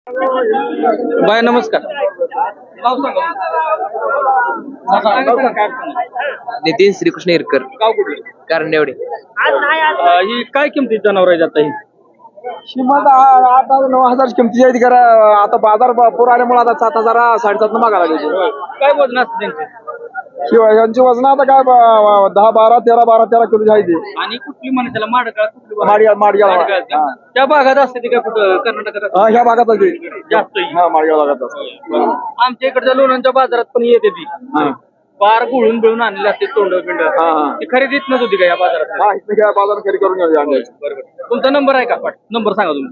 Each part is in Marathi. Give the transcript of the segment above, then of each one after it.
बाय नमस्कार. नाव सांगा. नितीन श्रीकृष्ण इरकर, गाव कुठलं? कारंडेवाडी. ही काय किमतीत जनावर आहे आता ही? किंमत 8,000-9,000 किमती आहे करा. आता बाजार पूर आल्यामुळे आता 7,000 7,500 मागा लागले. काय वजन असतं त्यांचे? शिवाय यांची वजन आता काय 10-12 किलो आहे ते. आणि कुठली म्हणे त्याला माडकाळ कुठली म्हणे? माडगाळ माडगाळ माडगाळ का? हा. त्या भागात असते ती काय कुठं कर्नाटकात असते? हा, ह्या भागात आहे जास्त ते. ही. हा, माडगाळ भागात असते. बरं. आमच्या इकडच्या लोणांच्या बाजारात पण येते ती हा. पार गुळून बिळून आणलेली असते तोंड बिंड. हा, हा. ती खरेदीत नच होती का या बाजारात? हा, इथे काय बाजार खरी करून घ्यायचे. बरोबर. तुमचा नंबर आहे का? नंबर सांगा तुम्ही.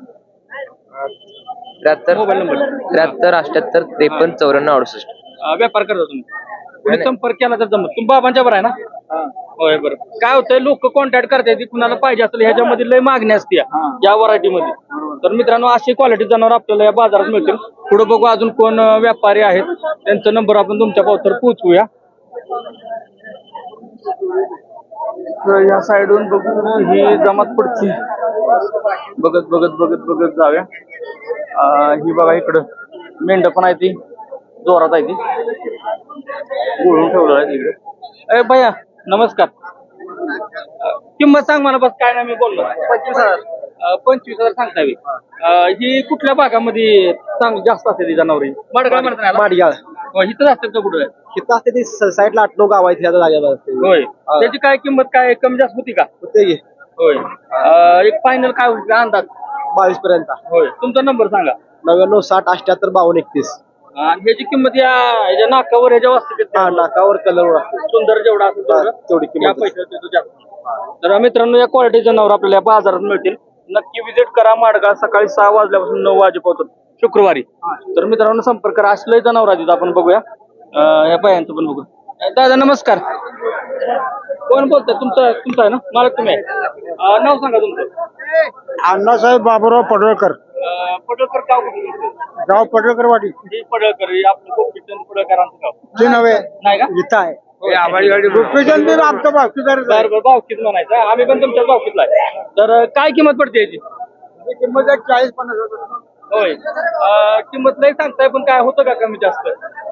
73 मोबाईल नंबर. 73 78 53 94 68. व्यापार करता तुम्ही? कोणी संपर्क केला तर जमत. तुम्ही बाबांच्या बरं आहे ना? होय. बरं. काय होतंय, लोक कॉन्टॅक्ट करतात ती कुणाला पाहिजे असेल ह्याच्यामध्ये लय मागणी असते या व्हरायटी मध्ये. तर मित्रांनो, अशी क्वालिटी जनावर आपल्याला या बाजारात मिळतील. पुढे बघू अजून कोण व्यापारी आहेत, त्यांचा नंबर आपण तुमच्या पावतर पोहोचवूया. या साईडून बघू ही जमात पुढची बघत बघत बघत बघत जाऊया. ही बघा इकडं मेंढ पण आहे, ती जोरात आहे, ती गोळून ठेवलं आहे तिकडे. ए भैया नमस्कार. किंमत सांग मला बस, काय ना मी बोललो. 25,000. 25,000 सांगता मी. ही कुठल्या भागामध्ये जास्त असते ती जनावरी? माडगाळ म्हणतात ना? माडगाळ इथंच असतात का कुठं? किती असते ती साईडला 8-9 गाव आहेत ह्या जागेला असते. होय. त्याची काय किंमत काय कमी जास्त होती का? होते की होय. एक फायनल काय होईल का अंदाज? 22 पर्यंत. होय. तुमचा नंबर सांगा. 99 60 78 52 31. आणि ह्याची किंमत ह्याच्या नाकावर ह्याच्या वाजते हा, नाकावर कलर असते. सुंदर जेवढा असेल तेवढं तेवढी या किंमत. पैशात देतो जास्त. तर मित्रांनो, या क्वालिटी जनावर आपल्याला या बाजारात मिळतील. नक्की विजिट करा. माडगाळ सकाळी 6 वाजल्यापासून 9 वाजेपर्यंत शुक्रवारी. तर मित्रांनो, संपर्क करा. असले जनावर आहेत आपण बघूया. या बायांचं पण बघू. दादा नमस्कार. कोण बोलतोय? तुमचं आहे ना मालक तुम्ही आहे? नाव सांगा तुमचं. अण्णासाहेब बाबूराव पडळकर, पडळकर. गाव कुठलं तुमचं? गाव पडळकरवाडी. हे पडळकर हे आपलं गोपीचंद पडळकरांचं गाव ते नव्हे नाही का? इथं आहे. होय. रुपेचंद बी आमचं बाकीदार आहे. बरं भावकीत म्हणायचं. आम्ही पण तुमच्याच भावकीतला आहे. तर काय किंमत पडते याची? किंमत 40-50 हजार. होय. किंमत नाही सांगताय, पण काय होतं का कमी जास्त?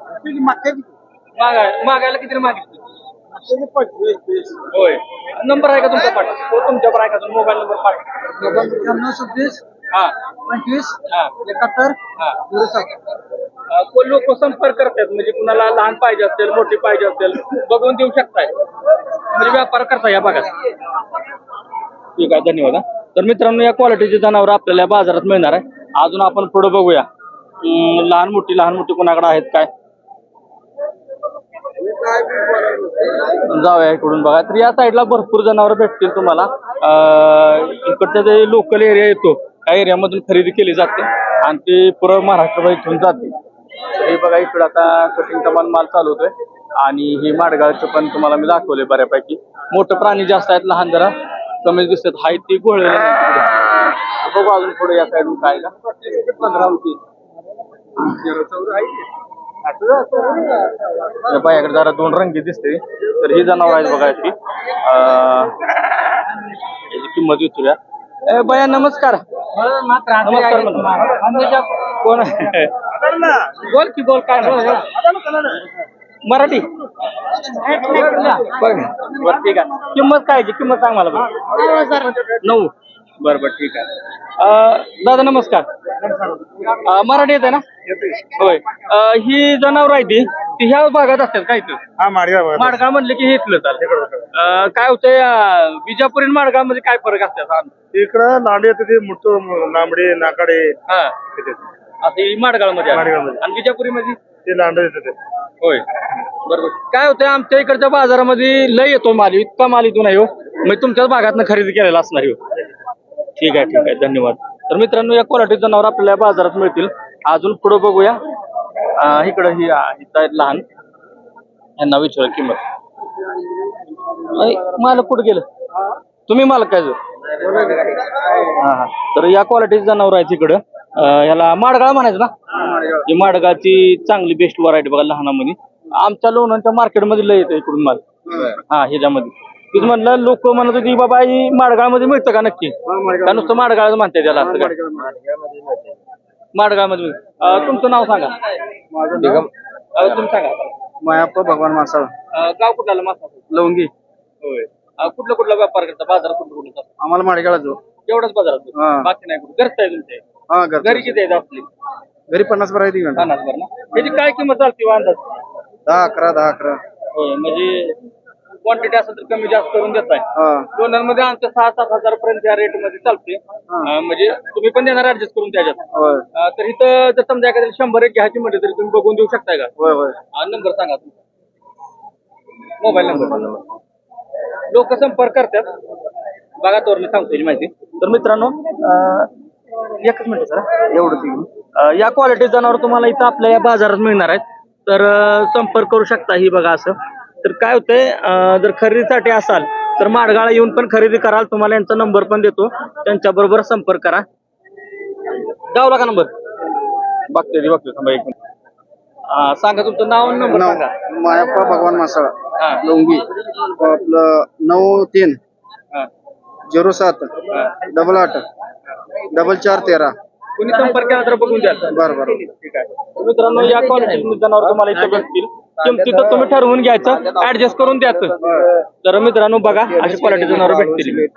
मागायला किती मागितली? 25-30. होय. नंबर आहे का तुमचा पाठ? हो, तुमच्यावर आहे का मोबाईल नंबर पाठ? 96 हा 25 हा 71 हा. 07. कोण लोक संपर्क करतात, म्हणजे कुणाला लहान पाहिजे असेल, मोठी पाहिजे असेल, बघून देऊ शकताय, म्हणजे व्यापार करता या भागात. ठीक आहे, धन्यवाद. तर मित्रांनो, या क्वालिटीचे जनावर आपल्याला या बाजारात मिळणार आहे. अजून आपण पुढे बघूया लहान मोठी कोणाकडे आहेत काय. जाऊया इकडून बघा. तर या साईडला भरपूर जनावर भेटतील तुम्हाला. इकडचा जे लोकल एरिया येतो त्या एरियामधून खरेदी केली जाते आणि ते पुरं महाराष्ट्रभर इथून जाते. हे बघा, इकडं आता कटिंगचा माल चालू होतोय आणि हे माडगाळचं पण तुम्हाला मी दाखवले बऱ्यापैकी. मोठं प्राणी जास्त आहेत, लहान जरा कमी दिसतात. हाय ती गोळलेली नाही. बघू अजून पुढे या साईडून काय का 15 होती. बायाकडे जरा 2 रंगी दिसते. तर ही जनावर आहेत बघा. याची किंमत विचारूया. ए बाया नमस्कार. नमस्कार म्हणतो. कोण बोल की बोल, काय मराठी बघ. बरं ठीक आहे. किंमत काय किंमत सांग मला बघ. 9. बरं ठीक आहे. दादा नमस्कार. मराठी येते ना? होय. ही जनावर आहे ती ह्या भागात असतात काय? हा, माडगाव म्हणले की हे इथलं चालेल. काय होतंय, विजापुरी माडगाव मध्ये काय फरक असतात? इकडं लांबडी येते ते मोठं लांबडे नाकाडे. हा, असं माडगाव मध्ये माडगावमध्ये. आणि विजापुरी मध्ये ते लांबडे येते. होय. बरोबर. काय होतंय, आमच्या इकडच्या बाजारामध्ये लय येतो माल, इतका माल इथून आहे हो. मग तुमच्याच भागातनं खरेदी केलेला असणार हो. ठीक आहे, धन्यवाद. तर मित्रांनो, या क्वालिटी जनावर आपल्याला बाजारात मिळतील. अजून पुढे बघूया. इकडं ही आहेत लहान, यांना विचारा किंमत. मालक कुठं गेलं? तुम्ही मालक काय? हा. तर या क्वालिटीची जनावर आहेत इकडं. ह्याला माडगाळ म्हणायचं ना? ही माडगाळची चांगली बेस्ट व्हरायटी बघा लहानामध्ये. आमच्या लोणांच्या मार्केटमध्ये लय येतं इकडून माल. हा, ह्याच्यामध्ये तीच म्हणलं, लोक म्हणत होती बाबा ही माडगाळ मध्ये मिळतं का नक्की? का नुसतं माडगाळ म्हणते त्याला? असं माडगावमध्ये तुमचं नाव सांगा. माझं नाव तुम्ही सांगा. मायाप्पा भगवान मासाळ गाव कुठला मासा लवंगी. होय. कुठला कुठला व्यापार करता बाजारात कुठला कुठला आम्हाला माडगाळा जो. एवढाच बाजारात हा. बाकी नाही कुठे घरच आहे तुमचे हा घरी किती आहेत आपली घरी 50 भर आहे ती घंटा. 50 भर ना त्याची काय किंमत चालते अंदाज 10-11 होय म्हणजे क्वांटिटी असेल तर कमी जास्त करून देताय हा दोनांमध्ये आमचं 6-7 हजार पर्यंत या रेट मध्ये चालते म्हणजे तुम्ही पण देणार ऍडजस्ट करून त्याच्यात होय तर इथं जर समजा एखाद्या 100 एक घ्यायची म्हटलं तरी तुम्ही बघून देऊ शकताय का होय होय. नंबर सांगा मोबाईल नंबर लोक संपर्क करतात बघा तोर मी सांगतो माहिती तर मित्रांनो एकच मिनिट सर एवढं या क्वालिटी जनावर तुम्हाला इथं आपल्या या बाजारात मिळणार आहेत तर संपर्क करू शकता ही बघा असं तर काय होतंय जर खरेदीसाठी असाल तर माडगाळा येऊन पण खरेदी कराल तुम्हाला यांचा नंबर पण देतो त्यांच्या बरोबर संपर्क करा गावला का नंबर बघते थांबा एक मिनिट सांगा तुमचं नाव आणि नंबर सांगा मायाप्पा भगवान मासाळ हा. लवंगी आपलं 93-07 88 4413. कुणी संपर्क केला तर बघून द्या बरं बरं. ठीक आहे मित्रांनो या क्वालिटी जनावर तुम्हाला इथे भेटतील किमती तर तुम्ही ठरवून घ्यायचं ऍडजस्ट करून द्यायचं तर मित्रांनो बघा अशी क्वालिटी जनावर भेटतील